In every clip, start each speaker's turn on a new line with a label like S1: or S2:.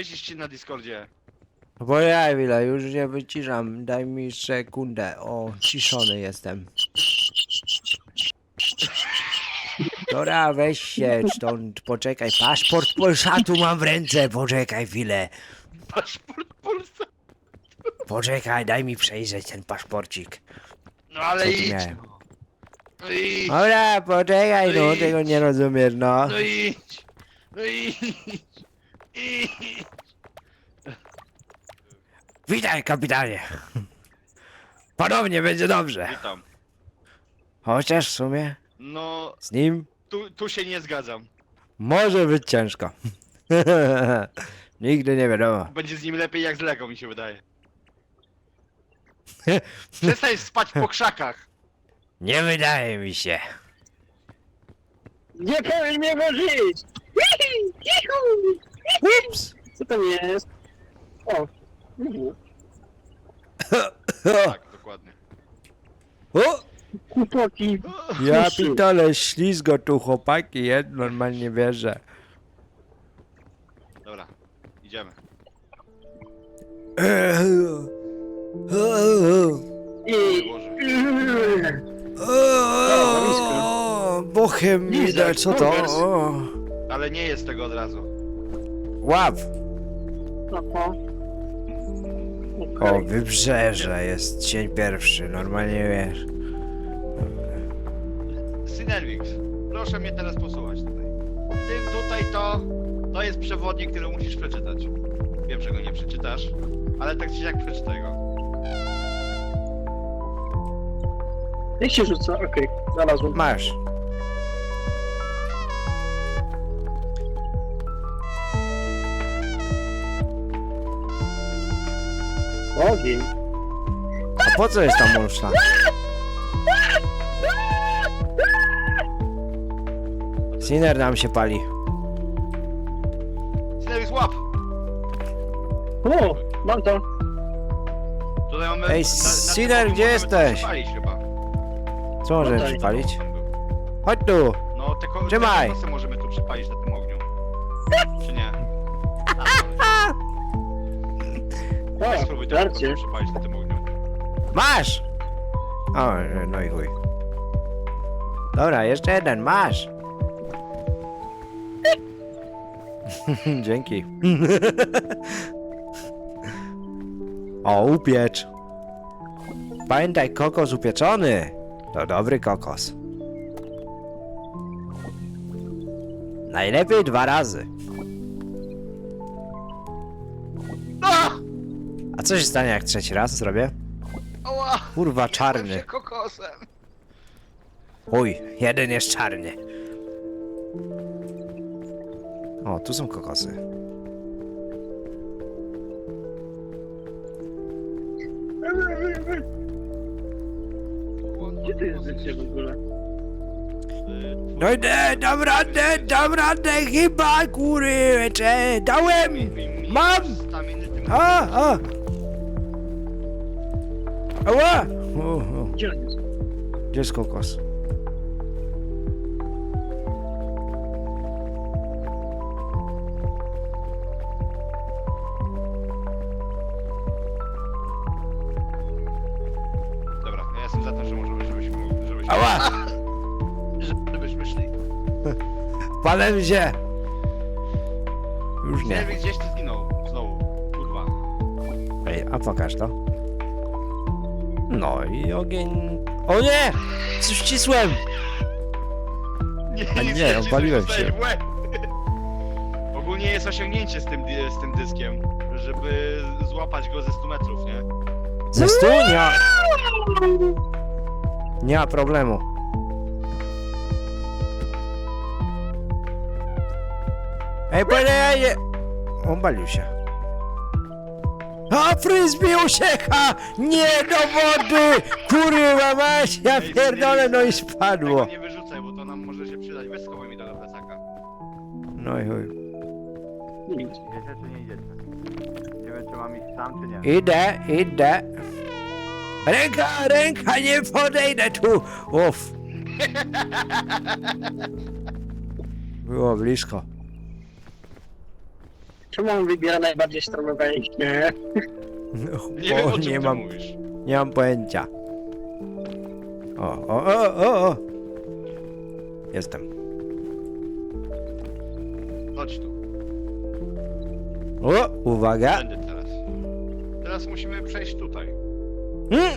S1: wycisz się na Discordzie.
S2: Bo ja chwilę, już nie wyciszam. Daj mi sekundę. O, ciszony jestem. Dobra, weź się stąd, poczekaj. Paszport Polsatu mam w ręce, poczekaj chwilę.
S1: Paszport Polsa.
S2: Poczekaj, daj mi przejrzeć ten paszporcik.
S1: No ale
S2: Co tu
S1: idź.
S2: miałem?
S1: No idź.
S2: Dobra, poczekaj,
S1: No
S2: no,
S1: idź.
S2: tego nie rozumiesz, no.
S1: No idź. No idź. Idź.
S2: Witaj, kapitanie. Ponownie będzie dobrze.
S1: Witam.
S2: Chociaż w sumie
S1: No,
S2: z nim
S1: tu się nie zgadzam.
S2: może być ciężko. Nigdy nie wiadomo.
S1: Będzie z nim lepiej jak z Lego, mi się wydaje. Przestań spać po krzakach.
S2: Nie wydaje mi się.
S3: Nie powinien mnie włożyć!
S2: Ups.
S3: Co tam jest? O! Mhm.
S1: Tak, dokładnie.
S2: O!
S3: Kłopoki.
S2: Ja pitole, ślizgo tu chłopaki, ja normalnie wierzę.
S1: Dobra, idziemy.
S3: I...
S1: Boże.
S2: Bochem mi
S3: Lizak,
S2: da, co to?
S3: Bonkers.
S2: O.
S1: Ale nie jest tego od razu.
S2: Łap!
S3: Oho.
S2: O, wybrzeże jest dzień pierwszy, normalnie wiesz.
S1: Synerwix, proszę mnie teraz posłuchać tutaj. Tutaj to jest przewodnik, który musisz przeczytać. Wiem, że go nie przeczytasz, ale tak czy siak przeczytaj go.
S3: Jak się rzuca? Okej, znalazłem.
S2: Masz.
S3: Ogień.
S2: A po co jest ta mulsza? Sinner nam się pali.
S1: Synerwix, łap!
S3: O! Mam to.
S1: Tutaj mamy...
S2: Ej, Sinner, gdzie jesteś?
S1: Palić chyba.
S2: Co możemy
S3: Tutaj.
S2: przypalić? Chodź tu!
S1: No, te
S2: Trzymaj.
S1: kokosy możemy tu przypalić na tym ogniu. Czy nie? Weź
S3: O,
S1: spróbuj te
S3: żarcie.
S1: kokosy przypalić na tym ogniu.
S2: Masz! O, no i chuj. Dobra, jeszcze jeden, masz! Dzięki. O, upiecz. Pamiętaj, kokos upieczony. To dobry kokos. Najlepiej 2 razy. A co się stanie, jak 3. raz zrobię?
S1: Ała!
S2: Kurwa,
S1: Jadłem
S2: czarny.
S1: się kokosem.
S2: Uj, jeden jest czarny. O, tu są kokosy.
S3: Gdzie to jest życie w ogóle?
S2: No idę, dam radę, chyba, kurczę, dałem! Mam! A! Ała! O.
S3: Gdzie on jest?
S2: Gdzie jest kokos?
S1: Dobra, ja jestem za tym, że możemy, żebyśmy...
S2: Ała!
S1: Żebyśmy szli.
S2: Palę się! Już
S1: Nie
S2: nie.
S1: wiem, gdzieś ty zginął. Znowu. Kurwa.
S2: Ej, a pokaż to. No i ogień... O nie! Coś ścisłem! A
S1: nic
S2: nie, opaliłem
S1: dostałeś
S2: się.
S1: w łeb. Ogólnie jest osiągnięcie z tym dyskiem, żeby złapać go ze 100 metrów, nie?
S2: Ze 100? Nie ma problemu. Ej, panie! Obalił się. A frisbee ucieka! Nie do wody! Kurwa mać, ja
S1: Ej,
S2: pierdolę, no i
S1: Tego
S2: spadło.
S1: nie wyrzucaj, bo to nam może się przydać. Weź schowaj mi to do plecaka.
S2: No i chuj.
S3: Nic.
S4: Idziecie czy nie idziecie? Nie wiem czy mam iść sam czy nie.
S2: Idę. Ręka, nie podejdę tu! Uff. Było blisko.
S3: Czemu on wybiera najbardziej strome wejście?
S1: Nie wiem, o czym
S2: nie
S1: ty
S2: mam,
S1: mówisz.
S2: nie mam pojęcia. O. Jestem.
S1: Chodź tu.
S2: O, uwaga.
S1: Tędy teraz. Teraz musimy przejść tutaj.
S2: Mm.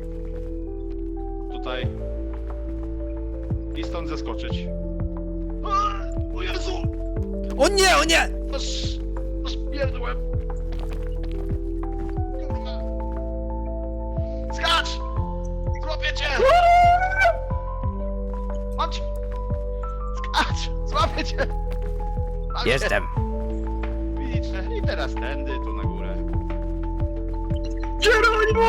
S1: Tutaj. I stąd zeskoczyć. A, o Jezu!
S2: O nie, o nie!
S1: Aż pierdłem. Kurwa. Skacz! Złapię cię! Mam cię! Skacz! Złapię cię! Mam cię.
S2: Jestem.
S1: Widzicie? I teraz tędy, tu na górę.
S3: Geronimo!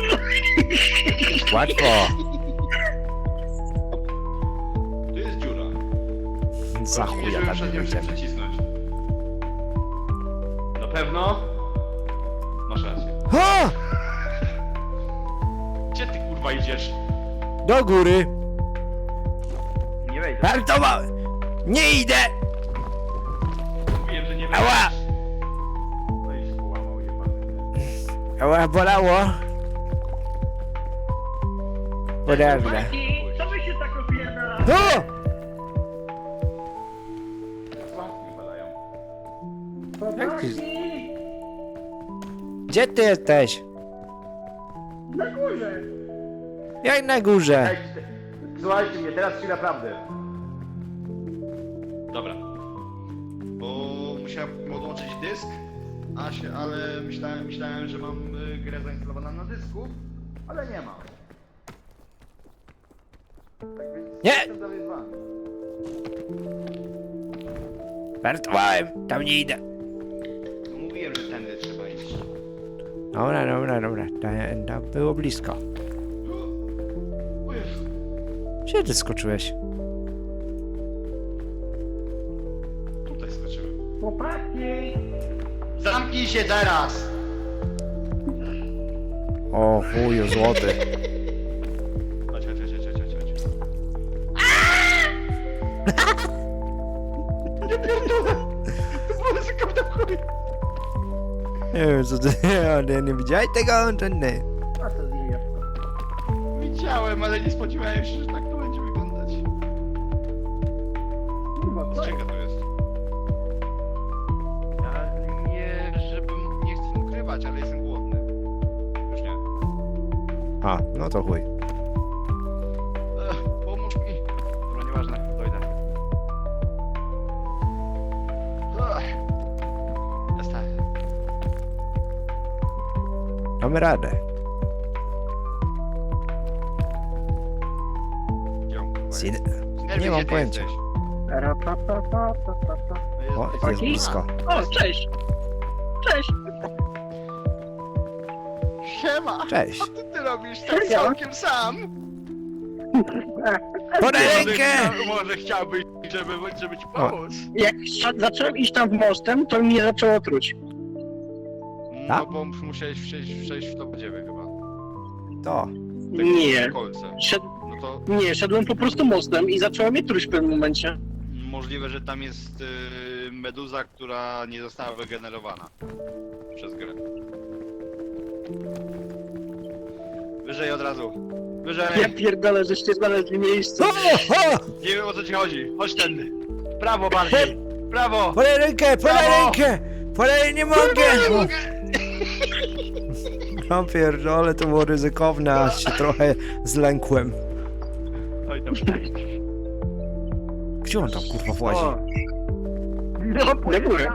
S2: Łatwo.
S1: Tu jest dziura.
S2: Za
S1: Chodzi mi,
S2: chuja
S1: żeby
S2: tam
S1: przez
S2: nie
S1: nią się
S2: będziemy.
S1: przecisnąć. Na pewno? Masz rację.
S2: O!
S1: Gdzie ty kurwa idziesz?
S2: Do góry.
S4: Nie wejdę.
S2: Hartowa! Nie idę!
S1: Mówiłem, że nie
S2: Ała!
S4: No i się połamał, jebany.
S2: Ała, bolało. Poważne.
S3: Co wy się tak opierdala?
S2: O!
S1: Sławki padają.
S2: Jak ty... Gdzie ty jesteś?
S3: Na górze!
S2: Jak na górze?
S4: Ej, słuchajcie mnie, teraz ci naprawdę.
S1: Dobra. Bo musiałem odłączyć dysk, ale myślałem, że mam grę zainstalowaną na dysku, ale nie mam. Tak więc
S2: Nie!
S1: jestem dalej z wami.
S2: Żartowałem, tam nie idę.
S1: No mówiłem, że tędy trzeba iść.
S2: Dobra. To było blisko.
S1: O Jezu.
S2: Gdzie ty skoczyłeś?
S1: Tutaj skoczyłem.
S3: Chłopaki!
S1: Zamknij się teraz!
S2: O chuju złoty.
S1: Chodź. Nie pierdolę! To było ryzyko na chuj!
S2: Nie wiem co ty... Nie widziałeś tego? To nie.
S3: A co z nim jest?
S1: Widziałem, ale nie spodziewałem się, że tak to będzie wyglądać.
S3: Kurwa, co?
S1: Czego to jest? Ja nie chcę ukrywać, ale jestem głodny. Już nie.
S2: A, no to chuj.
S1: Pomóż mi. Dobra, nieważne, dojdę. Jest tak.
S2: Mamy radę.
S1: Gdzie on, kurwa,
S2: Sid...
S1: jest?
S2: nie mam
S1: Gdzie ty
S2: pojęcia.
S1: jesteś?
S2: O,
S1: No
S2: jest blisko.
S3: O, cześć! Cześć!
S1: Siema!
S2: Cześć.
S1: Co ty robisz tak
S3: Serio?
S1: całkiem sam?
S2: Podaj rękę!
S1: Może chciałbyś, żeby ci pomóc?
S3: Jak zacząłem iść tam w mostem, to mnie zaczęło truć.
S1: No
S2: Tak?
S1: bo musiałeś przejść w to podziemie chyba.
S2: To.
S3: Nie.
S1: Kolce. No to
S3: Nie, szedłem po prostu mostem i zaczęło mnie truć w pewnym momencie.
S1: możliwe, że tam jest meduza, która nie została wygenerowana przez grę. Wyżej od razu. Wyżej!
S3: Ja pierdolę, żeście znaleźli miejsce.
S2: O!
S1: Nie wiem, o co ci chodzi. Chodź tędy. Prawo bardziej. Prawo!
S2: Podaj rękę! Podaj
S1: Brawo!
S2: rękę! Podaj, nie mogę! No pierdolę, to było ryzykowne, aż się trochę zlękłem.
S1: Oj, tam.
S2: Gdzie on tam kurwa włazi?
S4: No,
S3: Na górę.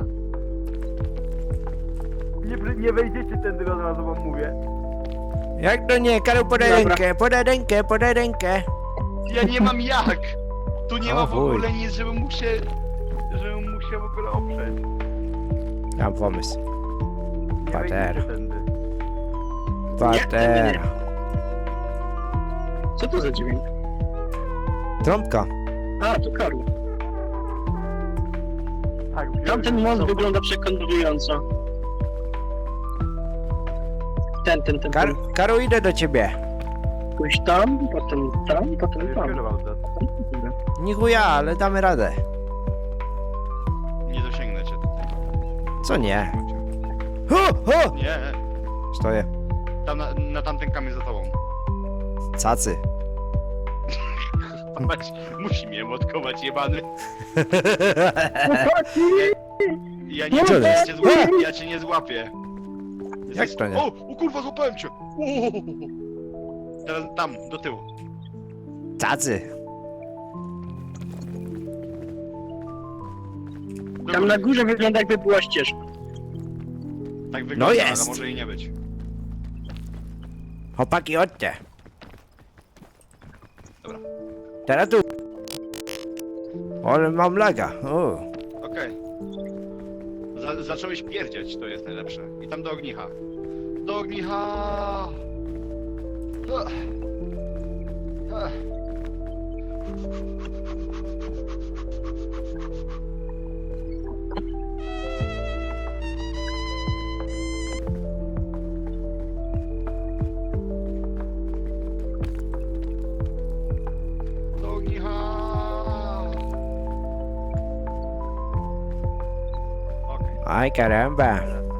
S4: nie wejdziecie tędy, od razu wam mówię.
S2: Jak to nie? Karol, podaj
S3: Dobra.
S2: rękę, podaj rękę, podaj rękę.
S1: Ja nie mam jak! Tu nie
S2: O
S1: ma w
S2: chuj.
S1: ogóle nic, żebym mógł się w ogóle oprzeć.
S2: Mam pomysł.
S4: Nie
S2: Patera.
S4: wejdziecie tędy.
S2: Patera.
S3: Co to za dźwięk?
S2: Trąbka.
S3: A, to Karol.
S4: Tak,
S3: Tamten most wygląda przekonująco. Ten.
S2: Karol, idę do ciebie.
S3: Pójść tam, potem tam, potem
S4: Już
S3: tam.
S4: kierował to.
S2: Nie chuja, ale damy radę.
S1: Nie dosięgnę cię tutaj.
S2: Co nie? O!
S1: Nie,
S2: Stoję.
S1: tam na tamten kamień za tobą.
S2: Cacy.
S1: Patrz, musi mnie motkować, jebany. Ja nie
S2: Co jest?
S1: cię złapię, ja cię nie złapię.
S2: Jak to nie?
S1: O kurwa, złapałem cię! Teraz tam, do tyłu.
S2: Cacy.
S1: Do
S3: Tam
S1: góry.
S3: na górze wygląda jakby była ścieżka.
S1: Tak wygląda,
S2: jest.
S1: ale może i nie być.
S2: Chłopaki, chodźcie.
S1: Dobra.
S2: Teraz tu. Ale mam laga. O.
S1: Okej. Zacząłeś pierdzieć, to jest najlepsze. I tam do ognicha. Do ognicha! Ach. Ach. Do ognicha! Okej.
S2: Aj, caramba.